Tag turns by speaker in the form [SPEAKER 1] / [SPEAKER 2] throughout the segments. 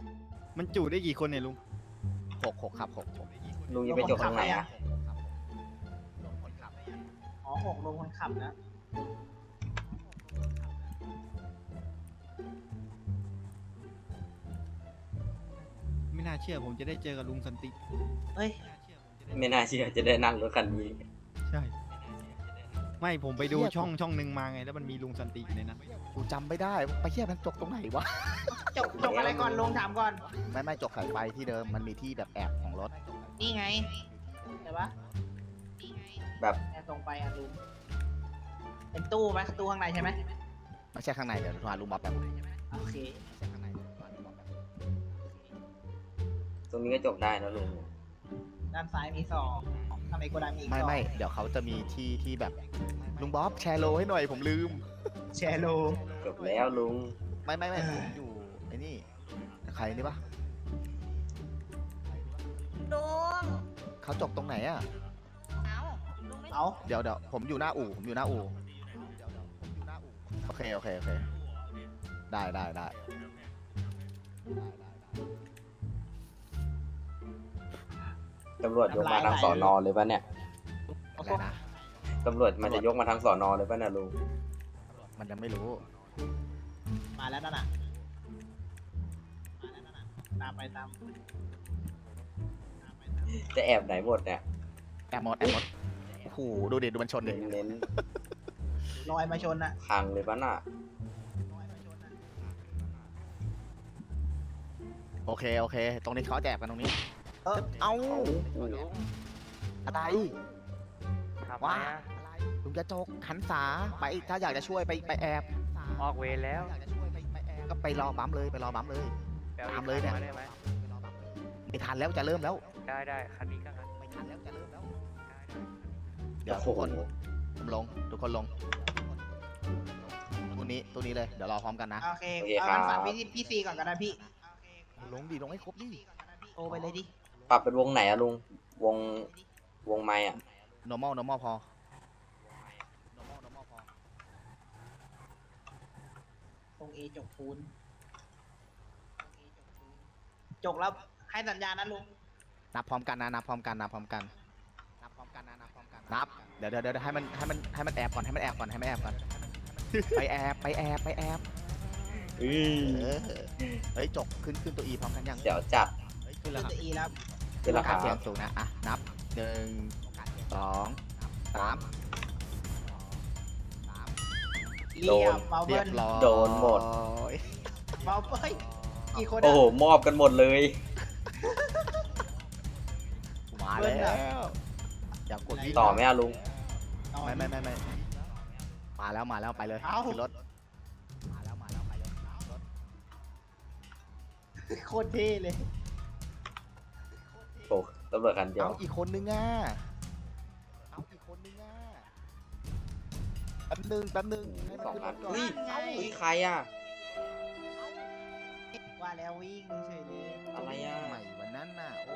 [SPEAKER 1] มันจุได้กี่คนเนี่ยลุง
[SPEAKER 2] หกครับหก
[SPEAKER 3] ลุงจะไปจบตรงไหนอะ
[SPEAKER 4] อ๋อ6ลงคนขับนะ
[SPEAKER 1] ไม่น่าเชื่อผมจะได้เจอกับลุงสันติ
[SPEAKER 4] เฮ้ย
[SPEAKER 3] ไม่น่าเชื่อจะได้นั่งรถคันนี้
[SPEAKER 1] ใช่ไม่ผมไปดูช่องหนึ่งมาไงแล้วมันมีลุงสันติอยู่ในนั้น
[SPEAKER 2] กูจำไม่ได้ไปเทียบมันจกตรงไหนวะ
[SPEAKER 4] จบอะไรก่อนลงถามก่อน
[SPEAKER 2] ไม่จกสายไฟที่เดิมมันมีที่แบบแอบของรถ
[SPEAKER 4] นี่ไงใช่ปะ
[SPEAKER 3] แบบ
[SPEAKER 4] แอบตรงไปอ่ะลุงเป็นตู้ไหมตู้ข้างในใช่ไหม
[SPEAKER 2] ไม่ใช่ข้างในเดี๋ยวโทรหาลุงบ๊อบแบบ
[SPEAKER 4] โอเค
[SPEAKER 2] ไม่ใช่ข้างในเดี๋ยวโทรหาลุงบ๊อบแบบ
[SPEAKER 3] ตรงนี้ก็จบได้นะลุง
[SPEAKER 4] ด้านซ้ายมี2ทำไมโกดังมีอีก
[SPEAKER 2] ไม่เดี๋ยวเขาจะมีที่แบบลุงบ๊อบแชร์โลให้หน่อยผมลืม
[SPEAKER 4] แชร์โล
[SPEAKER 3] จบแล้วลุง
[SPEAKER 2] ไม่ผมอยู่ไอ้นี่ใครนี่ปะ
[SPEAKER 5] ลุง
[SPEAKER 2] เขาจกตรงไหนอ่ะ
[SPEAKER 5] เอาลุงไม่
[SPEAKER 4] เอา
[SPEAKER 2] เดี๋ยวผมอยู่หน้าอู่โอเคได้
[SPEAKER 3] ตำรวจยกมาทางสอนอเลยปะเนี่ย
[SPEAKER 2] อะไรนะ
[SPEAKER 3] ตำรวจมันจะยกมาทางสอนอเลยปะเนี่ยลุง
[SPEAKER 2] มันยังไม่รู้
[SPEAKER 4] มาแล้วนั่นน่ะตามไป
[SPEAKER 3] จะแอบไหนหมดเนี่ย
[SPEAKER 2] แอบหมดโอ้โหดูดิดูมันชนดิ
[SPEAKER 3] เน้น
[SPEAKER 4] ลอยมาชนน่ะ
[SPEAKER 3] ๆพังเลยปะน่ะ
[SPEAKER 2] โอเคตรงนี้เขาแจกกันตรงนี้
[SPEAKER 4] เออ
[SPEAKER 2] เอา
[SPEAKER 3] เอา
[SPEAKER 2] อะไรว่าลุงจะจกหันษาไปถ้าอยากจะช่วยไปแอบ
[SPEAKER 6] ออกเวรแล้ว
[SPEAKER 2] ก็ไปรอบัมเลยตามเลยเนี่ย
[SPEAKER 6] ได้ไหม
[SPEAKER 2] ไม่ทันแล้วจะเริ่มแล้ว
[SPEAKER 6] ได้คันนี้ก็งั้น
[SPEAKER 2] ไม่ทันแล้วจะเริ่มแล้ว
[SPEAKER 6] ได้
[SPEAKER 2] เดี๋ยว
[SPEAKER 3] โอ้
[SPEAKER 2] ทุก
[SPEAKER 3] โห
[SPEAKER 2] คนผมลงทุกคนลงตัวนี้เลยเดี๋ยวรอพร้อมกันนะ
[SPEAKER 4] โอเคเอางั้นฝากพี่ซีก่อนก็ได้พี่
[SPEAKER 2] ลงให้ครบดิ
[SPEAKER 4] โทรไปเลยดิ
[SPEAKER 3] ปรับเป็นวงไหนอะลุง วงไม้อะ
[SPEAKER 2] normal พอ
[SPEAKER 4] ตรงเอจกปูนจกแล้วให้สัญญาณนะลุง
[SPEAKER 2] นับพร้อมกันนับเดี๋ยวให้มันแอบก่อนไปแอบเฮ้ยจกขึ้นตัวอีพร้อมกันยัง
[SPEAKER 3] เดี๋ยวจัด
[SPEAKER 2] ขึ้นแล้ว
[SPEAKER 4] ขึ้น
[SPEAKER 2] ครับ
[SPEAKER 4] จะอีแล้ว
[SPEAKER 3] ขึ้นราคา
[SPEAKER 2] เสียงสูงนะอ่ะนับ1 2 3
[SPEAKER 4] เรียบเบา
[SPEAKER 2] เรี
[SPEAKER 4] เบิ้
[SPEAKER 2] ย
[SPEAKER 4] ล
[SPEAKER 2] บร้อย
[SPEAKER 3] โดนหมด
[SPEAKER 4] เบาเบิ้ลกี่คน
[SPEAKER 3] โอ้โห มอบกันหมดเลย
[SPEAKER 2] มาแล้วอย่ากดวิ่ง
[SPEAKER 3] ต่อไหมอะลุง
[SPEAKER 2] ไม่มาแล้วไปเลยขึ้นรถมาแล้วไปเลยรถ
[SPEAKER 4] โคตรเท่เลย
[SPEAKER 3] โอ้ตำรวจคันเดียว
[SPEAKER 2] เอาอีกคนนึงอ่ะแป๊บนึงให้มัน
[SPEAKER 3] สอง
[SPEAKER 2] ขึ้นร
[SPEAKER 3] คัน
[SPEAKER 2] ถก่อน
[SPEAKER 3] อุ้ยใครอะ
[SPEAKER 4] ว่าแล้ววิ่งเฉยเลย
[SPEAKER 3] อะไรอะ
[SPEAKER 2] ใหม่วันนั้นน่ะโอ้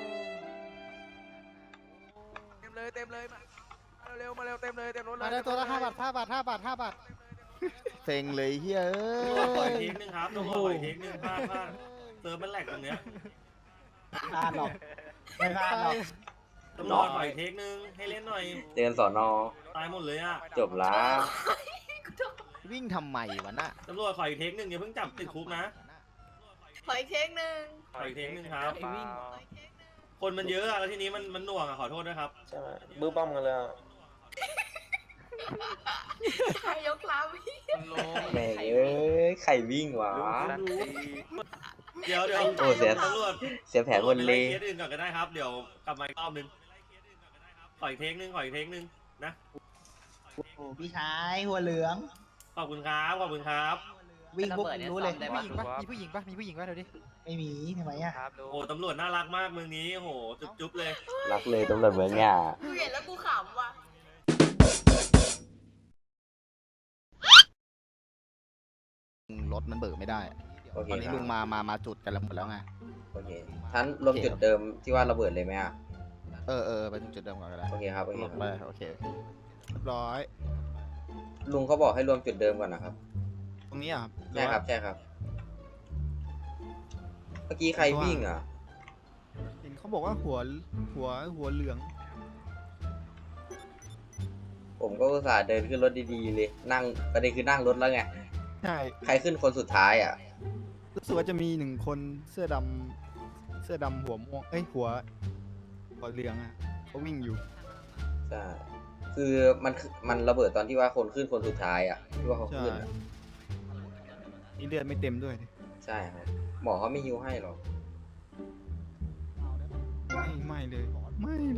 [SPEAKER 6] เต็มเลยมาเร็วเต็มรถเลย
[SPEAKER 7] มาได้ตัวละ5 บาท5 บาท
[SPEAKER 2] เซ็งเลยเฮ้ย
[SPEAKER 8] ปล่อยเทคนึงครับต้องปล่อยเทคนึงพลาดเติมมันแหลกตรงเนี้ย
[SPEAKER 4] พลาดหรอกไม่พลาดหรอก
[SPEAKER 8] ต้องรอปล่อยเทคนึงให้เล่นหน่อย
[SPEAKER 3] เตือนสอนอ
[SPEAKER 8] ตายหมดเลยอ่ะ
[SPEAKER 3] จบละ
[SPEAKER 2] วิ่งทำไมวะน่ะ
[SPEAKER 8] ตำรวจขออีกเทคนึงอย่าเพิ่งจับติดคุกนะ
[SPEAKER 5] ขออีกเค้กหนึ่ง
[SPEAKER 8] ขออีกเทคนึงครับ คนมันเยอะอะแล้วทีนี้มันหน่วงอะขอโทษนะครับ
[SPEAKER 3] ใช่ไหมบื้อป้อมกันเลย
[SPEAKER 5] ใครยกล้
[SPEAKER 3] แม่งเอ้ยใครวิ่งวะ
[SPEAKER 8] เดี๋ยว
[SPEAKER 3] โอ้เสีย
[SPEAKER 8] ตำรวจ
[SPEAKER 3] เสียแผนหมดเลย
[SPEAKER 8] เคสอื่นก่อนก็ได้ครับเดี๋ยวกลับมาอีกรอบนึงขออีกเทคนึงนะ
[SPEAKER 4] โอ้โหพี่ชายหัวเหลือง
[SPEAKER 8] ขอบคุณครับ
[SPEAKER 4] วิ่งปุ๊บรู้เลย
[SPEAKER 7] มีผู้หญิงปะเดี๋ยวดิ
[SPEAKER 4] ไม่มีทำไมอ่ะ
[SPEAKER 6] ครับลุง
[SPEAKER 8] โอ้ตำรวจน่ารักมากเมืองนี้โหจุ๊บเลย
[SPEAKER 3] รักเลยตำรวจเมืองเนี่ย
[SPEAKER 5] ำกูเห็นแล้วกูขำว่ะ
[SPEAKER 2] รถมันเบิกไม่ได้
[SPEAKER 3] โอเค
[SPEAKER 2] ตอนนี้
[SPEAKER 3] ครับ
[SPEAKER 2] ลุงมาจุดกันแล้วหมดแล้วไง
[SPEAKER 3] โอเคท่านรวมจุดเดิมที่ว่าระเบิดเลยไหมอ่ะ
[SPEAKER 2] ไปถึงจุดเดิมก่อนก็ได้
[SPEAKER 3] โอเคครับโอเค
[SPEAKER 2] ล
[SPEAKER 3] ค
[SPEAKER 2] งไป
[SPEAKER 3] รับ
[SPEAKER 2] โอเคเรียบร้อย
[SPEAKER 3] ลุงเขาบอกให้รวมจุดเดิมก่อนนะครับ
[SPEAKER 1] ตรงนี้อ่ะครับ
[SPEAKER 3] ใช่ครับมื่อกี้ใครวิ่งอ่ะ
[SPEAKER 1] เห็นเขาบอกว่าหัวเหลือง
[SPEAKER 3] ผมก็อุตส่าห์เดินขึ้นรถดีๆเลยนั่งประเด็นคือนั่งรถแล้วไง
[SPEAKER 1] ใช่
[SPEAKER 3] ใครขึ้นคนสุดท้ายอ่ะ
[SPEAKER 1] รู้สึกว่าจะมี1 คนเสื้อดำหัวม่วงเอ้ยหัวเหลืองอ่ะเขาวิ่งอยู่
[SPEAKER 3] ใช่ คือมันระเบิดตอนที่ว่าคนขึ้นคนสุดท้ายอ่ะที่ว่าเขา
[SPEAKER 1] ใช่
[SPEAKER 3] ขึ้นอะ
[SPEAKER 1] นี่เลือดไม่เต็มด้วยดิ
[SPEAKER 3] ใช่ครับหมอเขาไม่ฮิวให้หรอก
[SPEAKER 1] ไม่เลยไม่เลย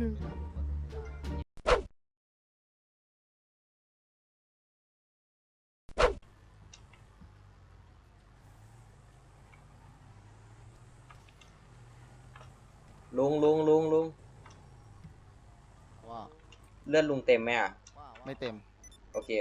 [SPEAKER 3] ลุง
[SPEAKER 2] ว่า
[SPEAKER 3] เลือดลุงเต็มไหมอ่ะ
[SPEAKER 2] ไม่เต็ม
[SPEAKER 3] โอเค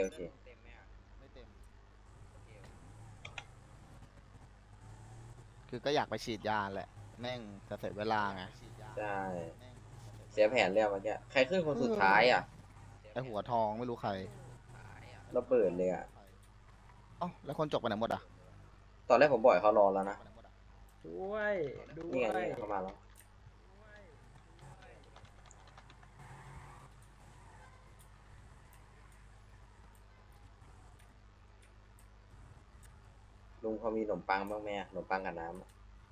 [SPEAKER 2] คือก็อยากไปฉีดยาแหละ แม่งจะเสียเวลาไง
[SPEAKER 3] ใช่เสียแผนแล้วเมื่อกี้ใครขึ้นคนสุดท้ายอ่ะ
[SPEAKER 2] ไอหัวทองไม่รู้ใคร
[SPEAKER 3] ระเบิดเลยอ่ะ
[SPEAKER 2] เอ้าแล้วคนจบไปไหนหมดอ่ะ
[SPEAKER 3] ตอนแรกผมบ่อยเขารอแล้วนะ
[SPEAKER 4] ด้วยด้ว
[SPEAKER 3] นี่ไง
[SPEAKER 4] ย
[SPEAKER 3] เขามาแล้วลุงพอมีขนมปังบ้างไหมอะขนมปังกับน้ำอะ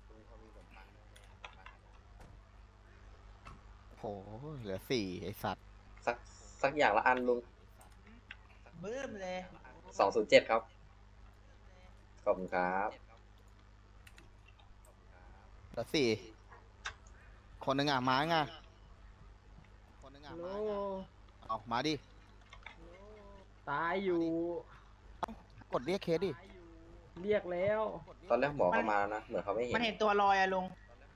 [SPEAKER 2] โหเหลือ4ไอสัตว์
[SPEAKER 3] สักอย่างละอันลุง
[SPEAKER 4] บื้มเลย
[SPEAKER 3] 207ครับขอบคุณครับ
[SPEAKER 2] เหลือ4คนหนึ่งอ่ะมาไงคนหนึ่งอ่ะมาไงเอามาดิ
[SPEAKER 4] ตายอยู่
[SPEAKER 2] กดเรียกเคสดิ
[SPEAKER 4] เรียกแล้ว
[SPEAKER 3] ตอนแรกหมอเขามาแล้วนะ เหมือนเขาไม่เห็น
[SPEAKER 4] มันเห็นตัวลอยอะลุง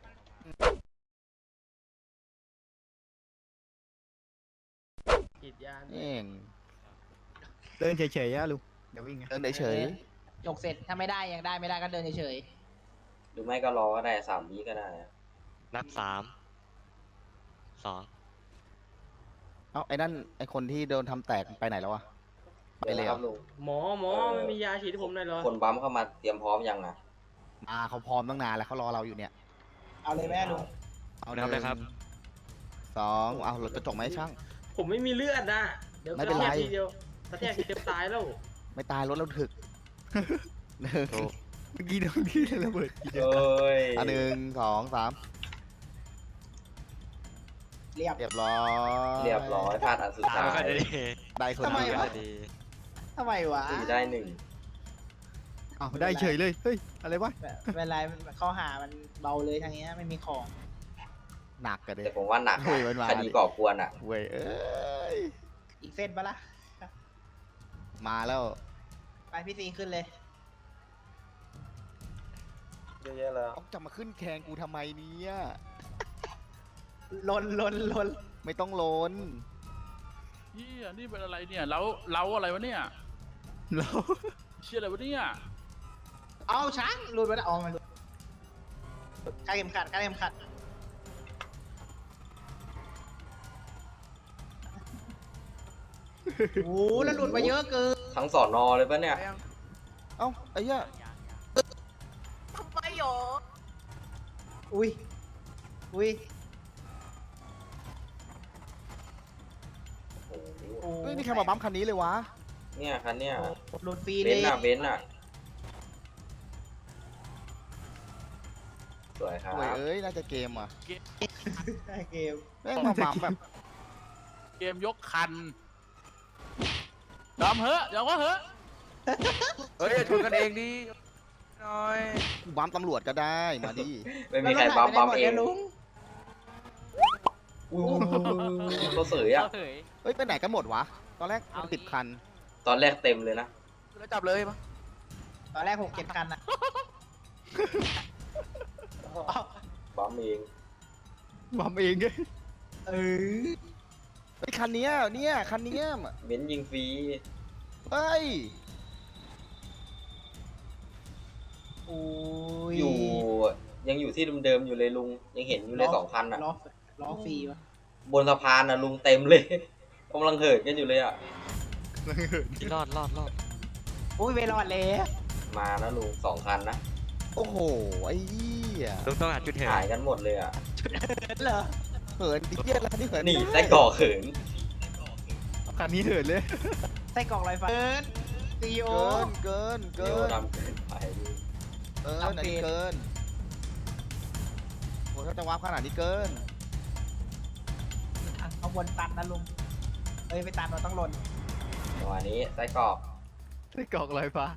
[SPEAKER 4] ฉีดยา
[SPEAKER 2] เอง
[SPEAKER 1] เดินเฉยๆอะลุงเดี๋ยววิ่งไง
[SPEAKER 2] เดินเฉย
[SPEAKER 4] จกเสร็จถ้าไม่ได้ยังได้ไม่ได้ก็เดินเฉย
[SPEAKER 3] หรือไม่ก็รอก็ได้3 วิก็ได้อะ
[SPEAKER 9] นับ 3 2
[SPEAKER 2] ๆเอ้าไอ้นั่นไอ้คนที่โดนทำแตกไปไหนแล้ววะไป
[SPEAKER 3] เดี๋ยว
[SPEAKER 2] เลย
[SPEAKER 3] นะ
[SPEAKER 2] เห
[SPEAKER 3] ค
[SPEAKER 2] ร
[SPEAKER 3] รั
[SPEAKER 2] อบ
[SPEAKER 3] ลุง
[SPEAKER 9] หมอไม่มียาฉีดให้ผมหน่อยเหรอ
[SPEAKER 3] คนบัมเข้ามาเตรียมพร้อมยังอ่ะ
[SPEAKER 2] มาเขาพร้อมตั้งนานแล้วเขารอเราอยู่เนี่ย
[SPEAKER 4] ๆเอาเลยแม่ลุง
[SPEAKER 2] เอา
[SPEAKER 9] นับเลยครับ
[SPEAKER 2] 2เอารถกระจกไหมาให้ช่าง
[SPEAKER 9] ผมไม่มีเลือดนะเดี๋ยว
[SPEAKER 2] ไม่เป็นไร
[SPEAKER 9] กระแทกทีเดียวกระแทกทีเดียวตายแล้ว
[SPEAKER 2] ไม่ตายรถเราถึก
[SPEAKER 1] เมื่อกี้ตรงที่ระเบิดทีเดียว
[SPEAKER 3] เอ้ย
[SPEAKER 2] อ่ะ1 2 3
[SPEAKER 4] เรียบ
[SPEAKER 2] เรียบร้อย
[SPEAKER 3] เรียบร้อยพลาดอันสุดท้าย
[SPEAKER 2] ได้คน
[SPEAKER 4] ทำไม
[SPEAKER 2] เดียว
[SPEAKER 4] วะ ทำไมวะ
[SPEAKER 3] 4ได้
[SPEAKER 1] อ้าวได้เฉยเลยเฮ้ยอะไรวะ
[SPEAKER 4] เวลาข้อหามันเบาเลยทางเนี้ยไม่มีของ
[SPEAKER 2] หนักกัน
[SPEAKER 3] 1
[SPEAKER 2] เลย
[SPEAKER 3] แต่ผมว่าหนัก
[SPEAKER 2] เฮ้ยมันมา
[SPEAKER 3] คดีก่อกวนอ่ะ
[SPEAKER 2] เว้ยเอ้ย
[SPEAKER 4] อีกเส้นปะล่ะ
[SPEAKER 2] มาแล้ว
[SPEAKER 4] ไปพี่ซีขึ้นเลย
[SPEAKER 2] ต้องจะมาขึ้นแข่งกูทำไมเนี่ย
[SPEAKER 4] ลน
[SPEAKER 2] ไม่ต้องล้น
[SPEAKER 10] นี่เป็นอะไรเนี่ยเราอะไรวะเนี่ย
[SPEAKER 1] แล้ว
[SPEAKER 10] เชื่ออะไรวะเนี่ย
[SPEAKER 4] เอาช้างหลุดไปแล้วอ๋อมันหลุดคาดเข็มขัดโอ้โหแล้วหลุดมาเยอะเกิน
[SPEAKER 3] ทั้งสอนอเลยปะเนี่ย
[SPEAKER 2] เอ้าไอ้เหี้ย
[SPEAKER 5] ทำไมหรอ
[SPEAKER 4] อุ้ย
[SPEAKER 3] โอ้โห
[SPEAKER 4] โอ้
[SPEAKER 2] ไม่มีใครมาบัมป์คันนี้เลยวะ
[SPEAKER 3] เนี่ยคันเนี่ย
[SPEAKER 4] หลุดฟรี
[SPEAKER 3] เบ
[SPEAKER 4] เล
[SPEAKER 3] น
[SPEAKER 4] ย
[SPEAKER 3] ซ์อะเบนซ์อะสวยครับ
[SPEAKER 2] โวยเอ้ยน่าจะเกมอ่ะ
[SPEAKER 4] เกม
[SPEAKER 2] แม่งมาบัมป์แบบ
[SPEAKER 10] เกมยกคันยอมเหอะยอมก็เหอะ
[SPEAKER 6] เฮ้ยอย่าชนกันเองดิหน่อย
[SPEAKER 2] บัมป์ตำรวจก็ได้มาดิ
[SPEAKER 3] ไม่มีใครบัมเอง
[SPEAKER 4] ลุง
[SPEAKER 3] อู้ตัวเสยอะ
[SPEAKER 2] เฮ้ยไปไหนกันหมดวะ ตอนแรกมัน10 คัน
[SPEAKER 3] ตอนแรกเต็มเลยนะ
[SPEAKER 6] แล้วจับเลยปะ
[SPEAKER 4] ตอนแรก6-7 คันอะ
[SPEAKER 3] บัมเอง
[SPEAKER 1] บัมเองไง
[SPEAKER 4] เออ
[SPEAKER 2] ไอ้ยคันเนี้ยเนี่ยคันเนี้ย
[SPEAKER 3] เบนซ์ยิงฟรี
[SPEAKER 2] เฮ้ย
[SPEAKER 4] โอ้ย
[SPEAKER 3] ยังอยู่ที่เดิมๆอยู่เลยลุง ยังเห็นอยู่เลย2 คันอะ
[SPEAKER 4] ล้อฟรีวะ
[SPEAKER 3] บนสะพานอะลุงเต็มเลยกำลังเหินกันอยู่เลยอะ
[SPEAKER 9] รอด
[SPEAKER 4] อุ้ยเวลอดเลย
[SPEAKER 3] มานะลุง2 คันนะ
[SPEAKER 2] โอ้โหไอ้เหี้ย
[SPEAKER 9] ลุงต้องหาจุดเหิน
[SPEAKER 3] หายกันหมดเลยอ่ะ
[SPEAKER 4] เหรอ
[SPEAKER 2] เหินดิเหี้ยอะไรนี่เหิน
[SPEAKER 3] นี่ไส้กรอกเขิน
[SPEAKER 1] คันนี้เหินเลย
[SPEAKER 4] ไส้กรอกลอยฟ้าซีโอ
[SPEAKER 2] เกิน
[SPEAKER 3] เดี๋ยวทำเกินไป
[SPEAKER 2] อันนี้เกินโอ้ถ้าจะวาร์ปขนาดนี้เกิน
[SPEAKER 4] เอาวนตันนะลุงเอ้ยไปตันเราต้องหล่น
[SPEAKER 3] จังหวะนี้ไส้กรอก
[SPEAKER 1] ไส้กรอกลอยฟ้า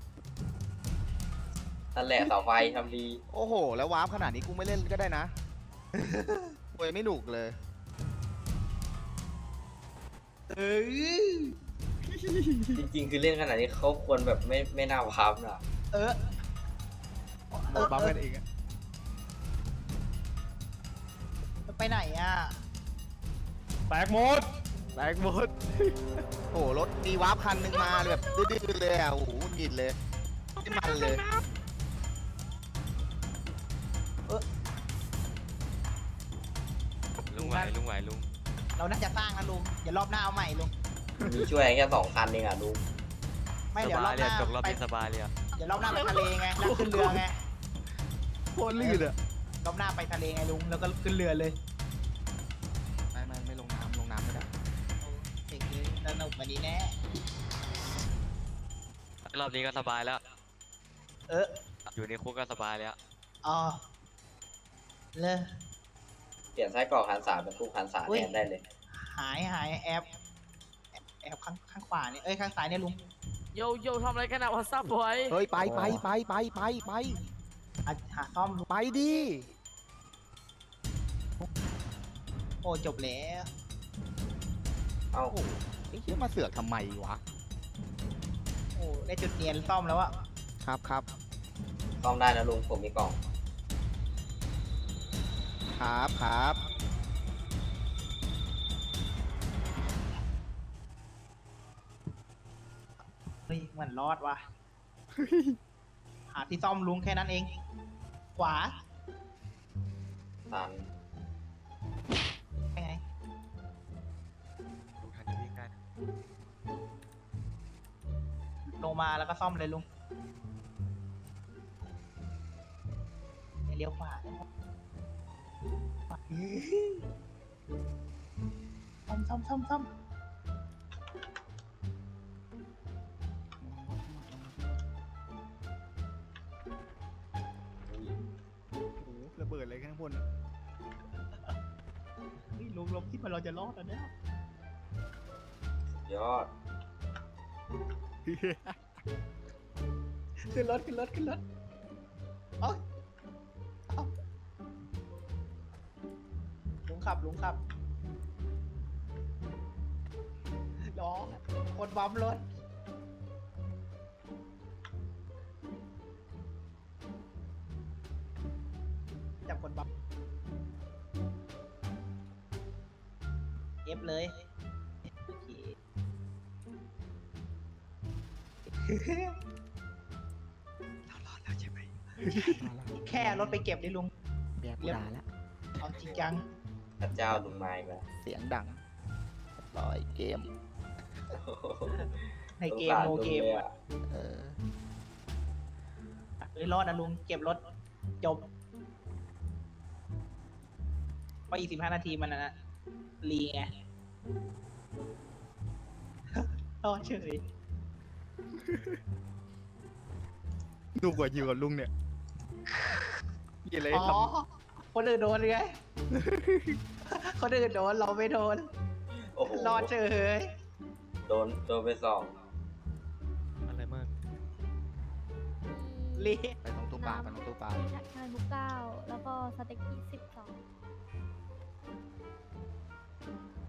[SPEAKER 3] นั่นแหละเสาไฟทำดี
[SPEAKER 2] โอ้โห แล้ววาร์ปขนาดนี้กูไม่เล่นก็ได้นะโวยไม่หนุกเลย
[SPEAKER 4] เอ้ย
[SPEAKER 3] จริงๆ คือเล่นขนาดนี้เขาควรแบบไม่น่าพับนะ
[SPEAKER 4] เออ
[SPEAKER 1] เราบัฟกันเองอะ
[SPEAKER 4] ไปไหนอ่ะ
[SPEAKER 1] แตกหมด
[SPEAKER 2] โอ้โหรถมีวาร์ปคันหนึ่งมาแบบดื้อๆเลยอ่ะโอ้โหหงิดเลยไม่มันเลย
[SPEAKER 9] ลุงไหวลุงไหวลุง
[SPEAKER 4] เราน่าจะสร้างนะลุงอย่ารอบหน้าเอาใหม่ลุง
[SPEAKER 3] มีช่วยแค่2 คันเองอ่ะลุง
[SPEAKER 4] ไม่เดี๋ยวรอบหน้า
[SPEAKER 9] จบรอบ
[SPEAKER 4] ไป
[SPEAKER 9] นี้สบายเลยอ่ะ
[SPEAKER 4] เดี๋ยวรอบหน้าไปทะเลไงแล้วขึ้นเรือไง
[SPEAKER 1] โคตรลื่นอะ
[SPEAKER 4] รอบหน้าไปทะเลไงลุงแล้วก็ขึ้นเรือเลย
[SPEAKER 2] ไม่ลงน้ำไม่ได้
[SPEAKER 4] เด็กเลยสนุกกว่านี้แน่
[SPEAKER 9] รอบนี้ก็สบายแล้ว
[SPEAKER 4] เออ
[SPEAKER 9] อยู่ในคุกก็สบายแล้ว
[SPEAKER 4] อ๋อเลย
[SPEAKER 3] เปลี่ยนไส้กรอกหันษาเป็นทุกหันษา
[SPEAKER 4] อุ๊ย
[SPEAKER 3] แทนได้เลย
[SPEAKER 4] หายแอบข้างขวาเนี่ยเอ้ยข้างซ้ายเนี่ยลุง
[SPEAKER 6] โยทำอะไรกันอะวอทซับบอย
[SPEAKER 2] เฮ้ยไป
[SPEAKER 4] อ่ะหาซ่อมลุง
[SPEAKER 2] ไปดิ
[SPEAKER 4] โอ้จบแล้ว
[SPEAKER 3] เอ้า
[SPEAKER 2] โอ้โหไอ้เหี้ยมาเสือกทำไมวะ
[SPEAKER 4] โอ้ได้จุดเนียนซ่อมแล้วอะ
[SPEAKER 2] ครับ
[SPEAKER 3] ซ่อมได้นะลุงผมมีกล่อง
[SPEAKER 2] ครับ
[SPEAKER 4] เฮ้ยมันรอดว่ะหาที่ซ่อมลุงแค่นั้นเอง ขวา
[SPEAKER 3] ตัน
[SPEAKER 4] ไปไงลงมาแล้วก็ซ่อมเลยลุงเลี้ยวขวาซ่อม
[SPEAKER 1] โอ้โหระเบิดอะไรข้างบนอะ
[SPEAKER 4] เฮ้ยลุงคิดว่าเราจะรอดแล้วเนี่ย
[SPEAKER 3] ยอด
[SPEAKER 4] ขึ้นรถเอ้ยเอ้าลุงขับล้อคนบัมรถจับคนบัมเอฟเลยโอเค เรารอดแล้วใช่ไหม แค่รถไปเก็บได้ลุง
[SPEAKER 2] แบกกูด่าแล้ว
[SPEAKER 4] เอาจริงจัง
[SPEAKER 3] พระเจ้าลุงไม้มา
[SPEAKER 2] เสียงดังร้อยเกม
[SPEAKER 4] ในเกมโนเกม
[SPEAKER 3] เลยอ่ะ
[SPEAKER 2] เออ
[SPEAKER 4] เลยรอดนะลุง เก็บรถ จบเพราะอีก15 นาทีมันนะรีไง รอดเฉย
[SPEAKER 1] ดูกว่าอยู่กับลุงเนี่ยมีอะไร
[SPEAKER 4] อ๋อ
[SPEAKER 1] ท
[SPEAKER 4] คนอื่นโดนไง คนอื่นโดน เราไม่โดน
[SPEAKER 3] โอ้โห
[SPEAKER 4] รอดเฉย
[SPEAKER 3] โดนไป2
[SPEAKER 9] อะไรมาก
[SPEAKER 4] รี
[SPEAKER 2] ไปตรงตู้ปลา
[SPEAKER 10] มีผัดไทยมุก9แล้วก็สเต็ก20 2